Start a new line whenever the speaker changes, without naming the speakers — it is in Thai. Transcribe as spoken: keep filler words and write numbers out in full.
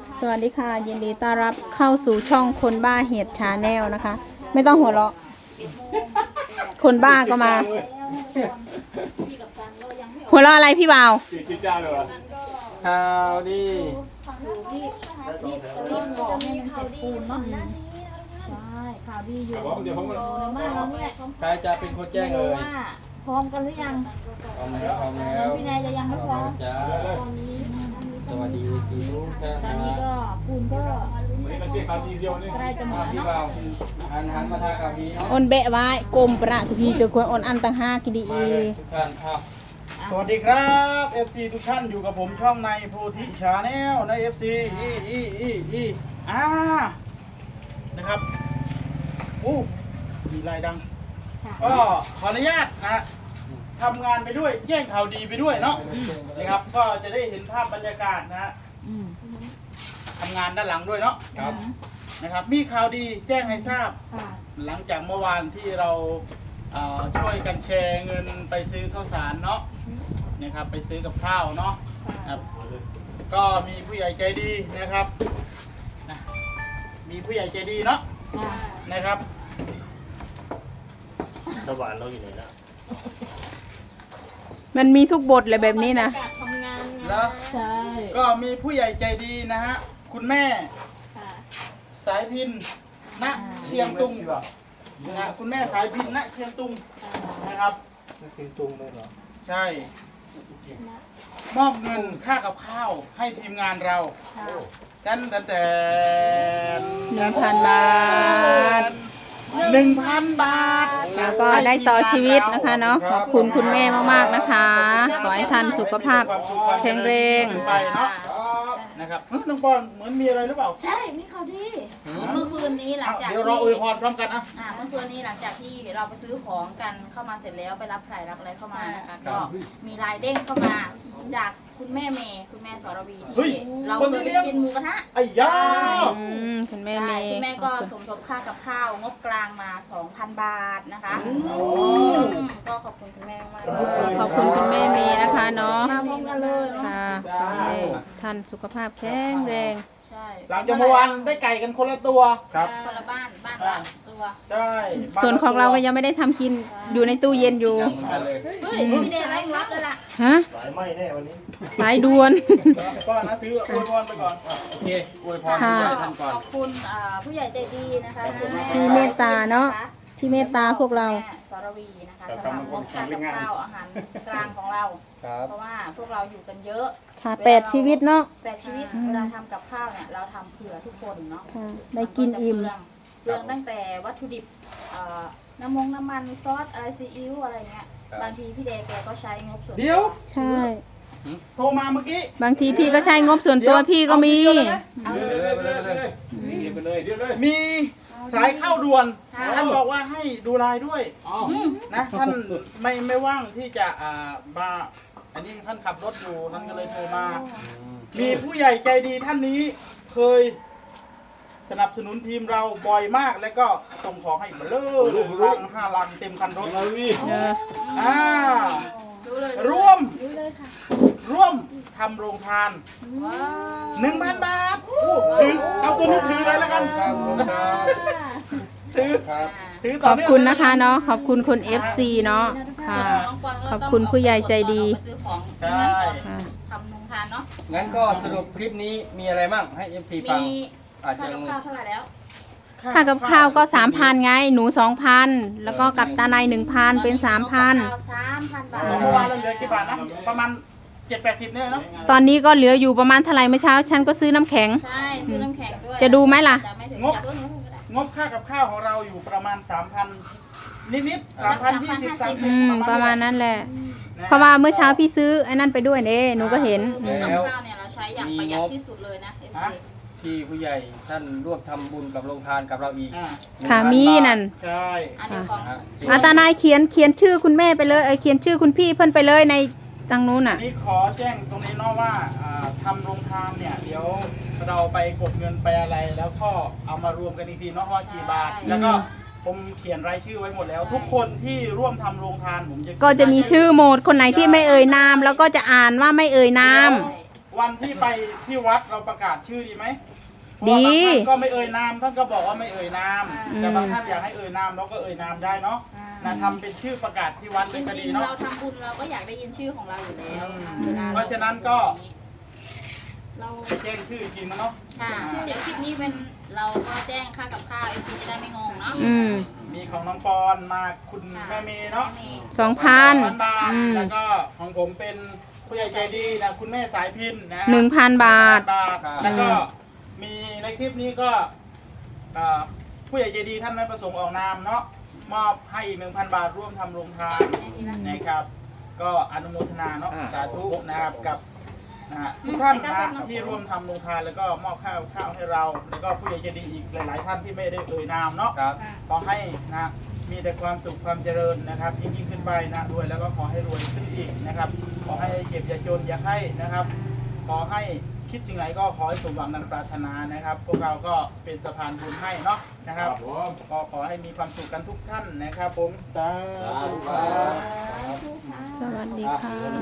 สวัสดีค่ะยินดีต้อนรับเข้าสู่ช่องคนบ้าเห็ดชาแนลนะคะไม่ต้องหัวเราะคนบ้าก็มา หัวเราะอะไรพี่บ่าว
ข่าวดี
รีบบอกให้มันเสร็จปูนเนาะใช่ข่าวดีอยู่เดี๋ยวมากแล้วเนี่ย
ใครจะเป็นคนแจ้ง
ไม่
เล
รู้
ย
ว่าพร้อมกันหรือยัง
พร้อมแล้วพร้อมแล้
แล้ว
ว
พี่นายจะยังไม่พร้อม
จ้าสวัสดีสีทุกท่าน
ตอน
นะ
นี้ก็ปูนก็ใกล้จะหมด
พี่
แล้ว
บ่า
เนาะ
วหันหันมาทางข่าวดีเนาะ
อนเบะไว้กลมประทุพีเจอควรอนอันตังห้ากิดี
มาเลยทุกท่านครับ
สวัสดีครับ เอฟ ซี ทุกท่านอยู่กับผมช่องในโพธิชาแนลใน เอฟ ซี อีอีอีอีอ่านะครับอู้มีลายดัง ก็ขออนุญาตนะทำงานไปด้วยแจ้งข่าวดีไปด้วยเนาะนะครับก็จะได้เห็นภาพบรรยากาศนะฮะ
อืม
ทำงานด้านหลังด้วยเนาะ
ครับ
นะครับมีข่าวดีแจ้งให้ทราบ
ค่ะ
หลังจากเมื่อวานที่เราเอ่อช่วยกันแชร์เงินไปซื้อข้าวสารเนาะนะครับไปซื้อกับข้าวเนาะครับก็มีผู้ใหญ่ใจดีนะครับนะมีผู้ใหญ่ใจดีเนาะ
ค่ะ
นะครับ
สวรรค์เราอยู่ไหนนะ
มันมีทุกบทเลยแบบนี้นะ
แล้ว
ใช่
ก็มีผู้ใหญ่ใจดีนะฮะคุณแม่
ค่ะ
สายพินณเชียงตุงนะคุณแม่สายพินณเชียงตุงนะครับ
นี่คือตุงเลยเหรอ
ใช่มอบเงินค่ากับข้าวให้ทีมงานเรา
ค่ะ
กันแต่แต่
หนึ่งพันบาท
หนึ่งพันบาท
แล้วก็ได้ต่อชีวิตนะคะเนาะขอบคุณคุณแม่มากๆนะคะขอให้ท่านสุขภาพแข็งแรง
ไปเนาะนะครับเฮ้ยน้องปอนเหมือนมีอะไรหรือเปล่า
ใช่มีข่าวดีเมื่อคืนนี้หลัง
อ้าว
จาก
เดี๋ยว
ที่
เราอวยพรพร้อมกันอ่ะ
อ่าเมื่อคืนนี้หลังจากที่เราไปซื้อของกันเข้ามาเสร็จแล้วไปรับไข่รับอะไรเข้ามานะคะก็มีลายเด้งเข้ามาจากคุณแม่เมย์คุณแม่สรวีที่เราเคยไปกินหมูกระทะ
ไอ้ย่า
อืมคุณแม่
ใช่
เมย์
คุณแม่ก็สมทบค่ากับข้าวงบกลางมา สองพัน บาทนะคะอืมก็ขอบคุณคุณแม่มากเลย
ขอบคุณคุณแม่เมย์นะคะเนาะ
มาพร้อมกันเลยเนาะ
ค่ะขอให้ท่านสุขภาพแข็งแรง
ใช่
หลังจากเมื่อวานได้ไก่กันคนละตัว
ครับ
คนละบ้านบ้านละตัว
ใช่
ส่วนของเราก็ยังไม่ได้ทำกินอยู่ในตู้เย็นอยู่
ยังเหมือนกันเลย
เฮ้ยพี่เดชรับรับเลยล่ะ
ฮะ
สายไหมแน่วันนี้
สายด่วน
ก็นะถืออวยพรไปก่อน
โอเคอวยพรผู้ใหญ่ท่านก่อน
ขอบคุณอ่าผู้ใหญ่ใจดีนะคะ
ที่เมตตาเนาะที่เมตตาพวกเรา
แม่สรวีนะคะสำหรับงบค่ากับข้าวอาหารกลางของเรา
ครับ
เพราะว่าพวกเราอยู่กันเยอะ
ค่ะแปดชีวิตเนาะ
แปดชีวิตเวลาทำกับข้าวเนี่ยเราทำเผื่อทุกคนเนาะ
ค่ะได้กินอิ่ม
เปลืองตั้งแต่วัตถุดิบเอ่อน้ำมงน้ำมันซอสอะไรซีอิ๊วอะไรเงี้ยบางทีพี่เดย์แกก็ใช้งบส่วนตัว
เดี๋ยว
ใช่
โทรมาเมื่อกี้
บางทีพี่ก็ใช้งบส่วนตัวพี่ก็มี
เอา
ไป
เล
เลย
ย
ไปเลยไปเลยไปเลยไปเลย
มีสายเข้าด่วน
ค่ะ
ท่านบอกว่าให้ดูไลน์ด้วย
อ๋อ
อืม
นะท่านไม่ไม่ว่างที่จะอ่ามาอันนี้ท่านขับรถอยู่ท่านก็เลยโทรมา มีผู้ใหญ่ใจดีท่านนี้เคยสนับสนุนทีมเราบ่อยมากแล้วก็ส่งของให้เบลอลังห้าลังเต็มคันรถ
เรานี่
เออ
อ่า
ดูเลย
ร่วม
ดูเลยค่ะ
ร่วมทำโรงทาน
ว้าว
หนึ่งพันบาทอู้ถือเอาตัวนี้ถือเลยแล้วกัน
ครับครับ
ถือ
ครับ
ถือ
ข
ต่อ
อบ
เนื่ง
คุณนะคะเนาะขอบคุณคุณ เอฟ ซี เนาะค่ะ ขอบคุณผู้ใหญ่ใจดี
ไปซื้อของ
ใช่
ค่ะ
ทำนงทานเนาะ
งั้นก็สรุปคลิปนี้มีอะไรบ้างให้ เอฟ ซี ฟัง
มี
อาจจะ
ค่ากับข้าวเท่าไหร่แล้ว
ค่ากับข้าวก็สามพันไง หนูสองพันแล้วก็กับตาในหนึ่งพันเป็นสามพัน
สามพันบาท
เมื่อวานเราเหลือกี่บาทนะประมาณเจ็ดแปดสิบเนี่ยเนาะ
ตอนนี้ก็เหลืออยู่ประมาณเท่าไหร่เมื่อเช้า ฉันก็ซื้อน้ำแข็ง
ใช่ซื้อน้ำแข็งด้วย
จะดูไหมล่ะ
จะไม่ถึง
งบ
จะเพิ่มงบก็ได้
งบค่ากับข้าวของเราอยู่ประมาณสามพันนิดๆสามพันยี่สิบสามสิ
อื
บ
มประมาณนั้นแหละ
นะ
เพราะว่าเมื่อเช้าพี่ซื้อไอ้นั่นไปด้วยเด้หนูก็เห็นอืม
กับข้าวเนี่ยเราใช้อย่างประหยัดที่สุดเลยนะ เอฟ ซี
ที่ผู้ใหญ่ท่านร่วมทำบุญกับโรงทานกับเราอีก
อ่า
ค่ะมีนั่น
ใช่
อันเดียวของ
นะฮะ
อาตานายเขียนเขียนชื่อคุณแม่ไปเลยเออเขียนชื่อคุณพี่เพิ่นไปเลยในทางนู้น
อั
น่ะ
นนี้ขอแจ้งตรงนี้เนาะว่าอ่าทำโรงทานเนี่ยเดี๋ยวเราไปกดเงินไปอะไร แล้วก็เอามารวมกันอีกทีเนาะว่ากี่บาท แล้วก็ผมเขียนรายชื่อไว้หมดแล้ว ทุกคนที่ร่วมทำโรงทานผมจะ
ก็จะมีชื่อโหมดคนไหนที่ไม่เอ่ยนาม แล้วก็จะอ่านว่าไม่เอ่ยนาม
อวันที่ไปที่วัดเราประกาศชื่อดีไหม
ดี
เพราะว่าบางท่านก็ไม่เอ่ยนามท่านก็บอกว่าไม่เอ่ยนาม
อืม
แต่บางท่านอยากให้เอ่ยนามเราก็เอ่ยนามได้เนาะนะทำเป็นชื่อประกาศที่วัด
จ
เป็นก็
ริ
ดี
งๆ
เนาะ
เราทำบุญเราก็อยากได้ยินชื่อของเราอยู่แล้ว
อืม
วล
เพราะฉะนั้นก็
เรา
แจ้งชื่ออีกทีนะเนาะ
ค่ะเดี๋ยวคลิปนี้เป็นเราก็แจ้งค่ากับข้าวเอฟซีจะได้ไม่งงเนาะ
อืม
มีของน้องปอนมาคุณแม่เมย์เนาะ
สองพัน
พันบาท
อืม
แล้วก็ของผมเป็นผู้ใหญ่ใจดีนะคุณแม่สายพินนะ
หนึ่งพันบาท
บาทแล้วก็มีในคลิปนี้ก็เอ่อผู้ใหญ่ใจดีท่านไม่ประสงค์ออกนามเนาะมอบให้อีกหนึ่งพันบาทร่วมทำโรงทานนะครับ ก็อนุโมทนาเนาะสาธุนะครับกับนะฮะทุกท่านนะฮะที่ร่วมทำโรงทานแล้วก็มอบข้าวข้าวให้เรา แล้วก็ผู้ใหญ่ใจดีอีกหลาย ๆ ท่านที่ไม่ได้เอ่ยนามเนาะ
ครับ
ขอให้นะมีแต่ความสุขความเจริญนะครับยิ่งยิ่งขึ้นไปนะด้วยแล้วก็ขอให้รวยขึ้นอีกนะครับ ขอให้เจ็บอย่าจนอย่าไข้นะครับ ขอให้คิดสิ่งไหนก็ขอให้สมหวังดังปรารถนานะครับ พวกเราก็เป็นสะพานบุญให้เนาะนะครับก็ขอให้มีความสุขกันทุกท่านนะครับผมสาธุ
สวัสดีค่ะ